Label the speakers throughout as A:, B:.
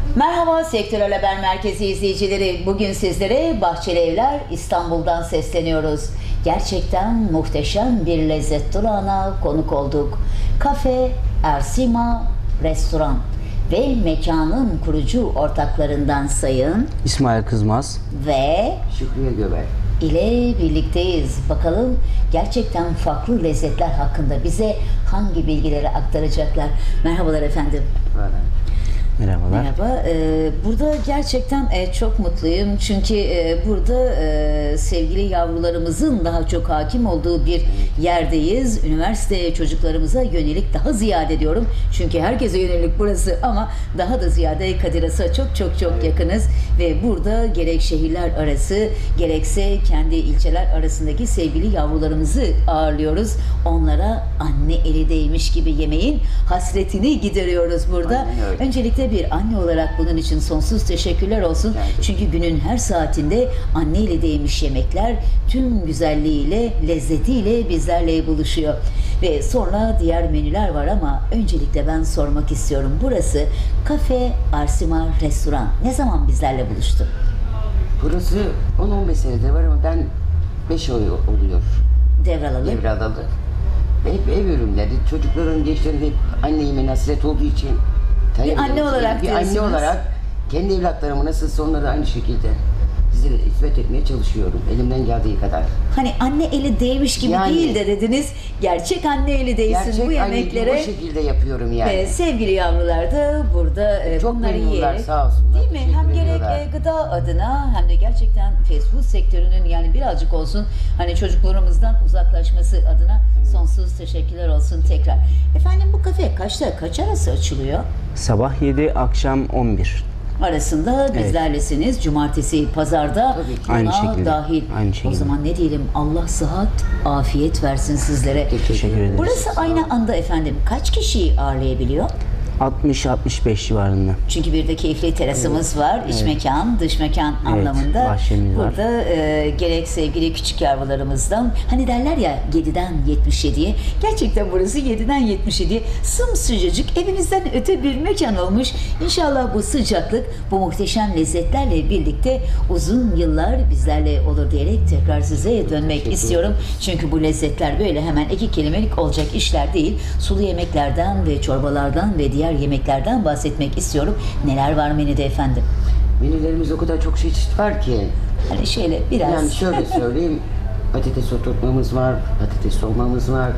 A: Merhaba Sektörel Haber Merkezi izleyicileri. Bugün sizlere Bahçeli Evler İstanbul'dan sesleniyoruz. Gerçekten muhteşem bir lezzet durağına konuk olduk. Kafe Ersima Restoran ve mekanın kurucu ortaklarından Sayın
B: İsmail Kızmaz
A: ve
C: Şükriye Göbel
A: ile birlikteyiz. Bakalım gerçekten farklı lezzetler hakkında bize hangi bilgileri aktaracaklar. Merhabalar efendim.
C: var.
B: merhabalar.
A: Merhaba. Burada gerçekten çok mutluyum. Çünkü burada sevgili yavrularımızın daha çok hakim olduğu bir yerdeyiz. Üniversite çocuklarımıza yönelik daha ziyade diyorum. Çünkü herkese yönelik burası ama daha da ziyade Kadir Has'a çok yakınız. Ve burada gerek şehirler arası gerekse kendi ilçeler arasındaki sevgili yavrularımızı ağırlıyoruz. Onlara anne eli değmiş gibi yemeğin hasretini gideriyoruz burada.
C: Aynen öyle.
A: Öncelikle bir anne olarak bunun için sonsuz teşekkürler olsun. Çünkü günün her saatinde anne eli değmiş yemekler tüm güzelliğiyle, lezzetiyle bizlerle buluşuyor. Ve sonra diğer menüler var ama öncelikle ben sormak istiyorum. Burası Kafe Ersima Restoran. Ne zaman bizlerle buluştu?
C: Burası 10-15 senedir var ama ben 5 ay oluyor
A: Devralalı.
C: devralalı. Hep ev ürünleri, çocukların, gençlerin hep anne yemeğine hasret olduğu için
A: anne olarak
C: bir anne
A: diyorsunuz.
C: olarak kendi evlatlarımı nasılsa onları aynı şekilde size hizmet etmeye çalışıyorum elimden geldiği kadar.
A: Hani anne eli değmiş gibi
C: Yani-
A: değil de dediniz. Gerçek anne eli değsin
C: Gerçek
A: bu
C: anne
A: yemeklere.
C: bu şekilde yapıyorum yani.
A: Sevgili yavrular da burada
C: Çok
A: bunları
C: memnunlar,
A: yiyerek,
C: sağ olsunlar,
A: değil mi?
C: teşekkür
A: Hem gerek
C: ediyorlar.
A: gıda adına hem de gerçekten fast food sektörünün yani birazcık olsun hani çocuklarımızdan uzaklaşması adına sonsuz teşekkürler olsun tekrar. Efendim bu kafe kaçta kaç arası açılıyor?
B: Sabah 7, akşam 11.
A: Arasında bizlerlesiniz. Cumartesi, pazarda
C: Tabii ki.
A: buna
B: Aynı şekilde.
A: dahil.
B: Aynı
A: O
B: şekilde.
A: zaman ne diyelim Allah sıhhat, afiyet versin sizlere.
B: Teşekkür ederiz.
A: Burası aynı anda efendim kaç kişiyi ağırlayabiliyor?
B: 60-65 civarında.
A: Çünkü bir de keyifli terasımız var. İç mekan, dış mekan anlamında.
B: bahçemiz var.
A: Burada gerek sevgili küçük yavrularımızdan hani derler ya 7'den 77'ye. Gerçekten burası 7'den 77'ye sımsıcacık evimizden öte bir mekan olmuş. İnşallah bu sıcaklık bu muhteşem lezzetlerle birlikte uzun yıllar bizlerle olur diyerek tekrar size dönmek istiyorum. Çünkü bu lezzetler böyle hemen iki kelimelik olacak işler değil. Sulu yemeklerden ve çorbalardan ve diğer yemeklerden bahsetmek istiyorum. Neler var menüde efendim?
C: Menülerimiz o kadar çok çeşit var ki.
A: Hani şöyle biraz
C: Yani şöyle söyleyeyim, patates oturtmamız var, patates dolmamız var,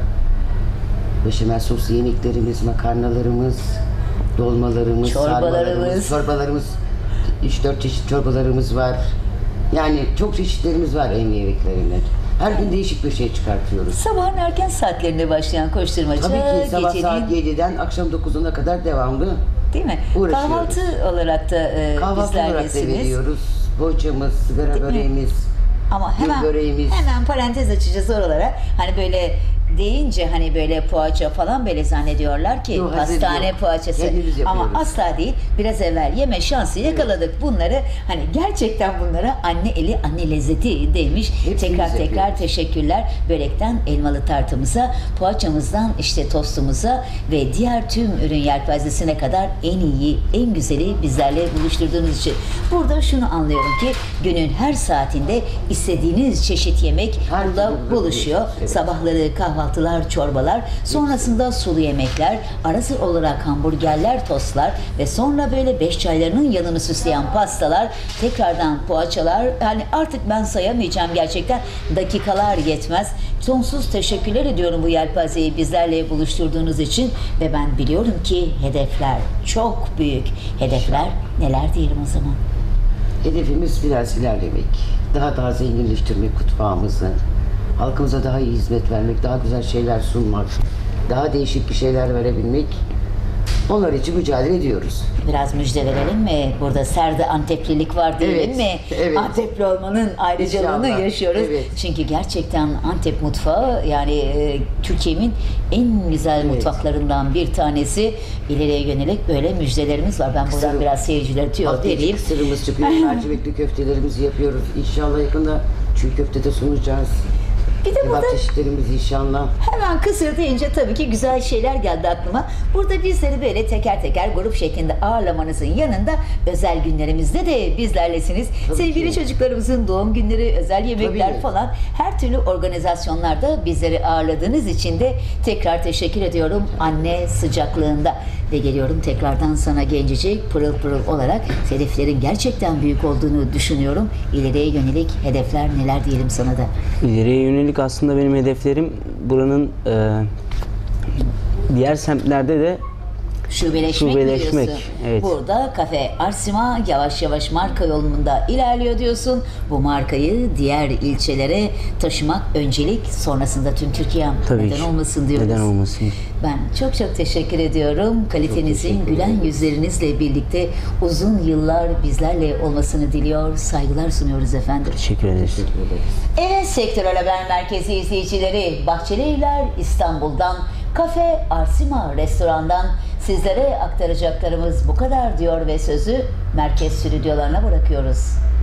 C: beşamel soslu yemeklerimiz, makarnalarımız, dolmalarımız,
A: Çorbalarımız.
C: çorbalarımız, 3-4 çeşit çorbalarımız var. Yani çok çeşitlerimiz var ev yemeklerinde. Her gün değişik bir şey çıkartıyoruz.
A: sabahın erken saatlerinde başlayan koşturmaca
C: Tabii ki sabah
A: gecenin
C: saat 7'den akşam 9'una kadar devamlı
A: değil mi?
C: uğraşıyoruz.
A: Kahvaltı olarak da
C: kahvaltı olarak da
A: bizlerlesiniz.
C: veriyoruz. Poğaçamız, sigara
A: mi?
C: böreğimiz,
A: Ama
C: gül böreğimiz.
A: hemen parantez açacağız oralara. Hani böyle deyince hani böyle poğaça falan böyle zannediyorlar ki
C: Yok, hazır
A: hastane
C: yok.
A: poğaçası.
C: Kendimiz
A: Ama
C: yapıyoruz.
A: asla değil. Biraz evvel yeme şansı yakaladık bunları. Hani gerçekten bunlara anne eli, anne lezzeti demiş.
C: Hepsini
A: Tekrar
C: biz yapıyoruz.
A: teşekkürler. Börekten elmalı tartımıza, poğaçamızdan işte tostumuza ve diğer tüm ürün yelpazesine kadar en iyi, en güzeli bizlerle buluşturduğunuz için. Burada şunu anlıyorum ki günün her saatinde istediğiniz çeşit yemek
C: Her
A: burada
C: türlü
A: buluşuyor.
C: evet.
A: Sabahları kahvaltılar, çorbalar, sonrasında sulu yemekler, arası olarak hamburgerler, tostlar ve sonra böyle 5 çaylarının yanını süsleyen pastalar, tekrardan poğaçalar. Yani artık ben sayamayacağım gerçekten. Dakikalar yetmez. Sonsuz teşekkürler ediyorum bu yelpazeyi bizlerle buluşturduğunuz için ve ben biliyorum ki hedefler çok büyük. Hedefler neler diyelim o zaman?
C: Hedefimiz biraz ilerlemek, daha zenginleştirmek mutfağımızı, halkımıza daha iyi hizmet vermek, daha güzel şeyler sunmak, daha değişik bir şeyler verebilmek. Onlar için mücadele ediyoruz.
A: Biraz müjde verelim mi? Burada serde Anteplilik var diyelim
C: Evet,
A: mi?
C: evet.
A: Antepli olmanın ayrıcalığını
C: İnşallah,
A: yaşıyoruz.
C: evet.
A: Çünkü gerçekten Antep mutfağı yani Türkiye'min en güzel
C: Evet.
A: mutfaklarından bir tanesi. İleriye yönelik böyle müjdelerimiz var. Ben buradan
C: Sırrı-
A: biraz seyircileri tüyo vereyim.
C: Sırımız çıkıyor, mercimekli köftelerimizi yapıyoruz. İnşallah yakında çiğ köfte de sunacağız.
A: Bir de
C: Kebap
A: burada
C: çeşitlerimiz inşallah.
A: hemen kısır deyince tabii ki güzel şeyler geldi aklıma. Burada bizleri böyle teker teker grup şeklinde ağırlamanızın yanında özel günlerimizde de bizlerlesiniz.
C: Tabii
A: Sevgili
C: ki.
A: çocuklarımızın doğum günleri, özel yemekler
C: Tabii.
A: falan her türlü organizasyonlarda bizleri ağırladığınız için de tekrar teşekkür ediyorum anne sıcaklığında. Ve geliyorum tekrardan sana gencecik pırıl pırıl olarak hedeflerin gerçekten büyük olduğunu düşünüyorum. İleriye yönelik hedefler neler diyelim sana da.
B: İleriye yönelik aslında benim hedeflerim buranın diğer semtlerde de
A: Şubeleşmek,
B: Şubeleşmek,
A: diyorsun.
B: evet.
A: Burada Kafe Arsima yavaş yavaş marka yolunda ilerliyor diyorsun. Bu markayı diğer ilçelere taşımak öncelik, sonrasında tüm Türkiye
B: tabii
A: neden
B: ki.
A: olmasın diyoruz.
B: Neden olmasın?
A: Ben çok çok teşekkür ediyorum. Kalitenizin,
C: teşekkür
A: gülen
C: ederim.
A: yüzlerinizle birlikte uzun yıllar bizlerle olmasını diliyor. Saygılar sunuyoruz efendim.
B: Teşekkür ederiz.
C: Teşekkür ederiz.
A: Evet Sektörel Haber Merkezi izleyicileri, Bahçeli Evler İstanbul'dan, Kafe Arsima Restoran'dan sizlere aktaracaklarımız bu kadar diyor ve sözü merkez stüdyolarına bırakıyoruz.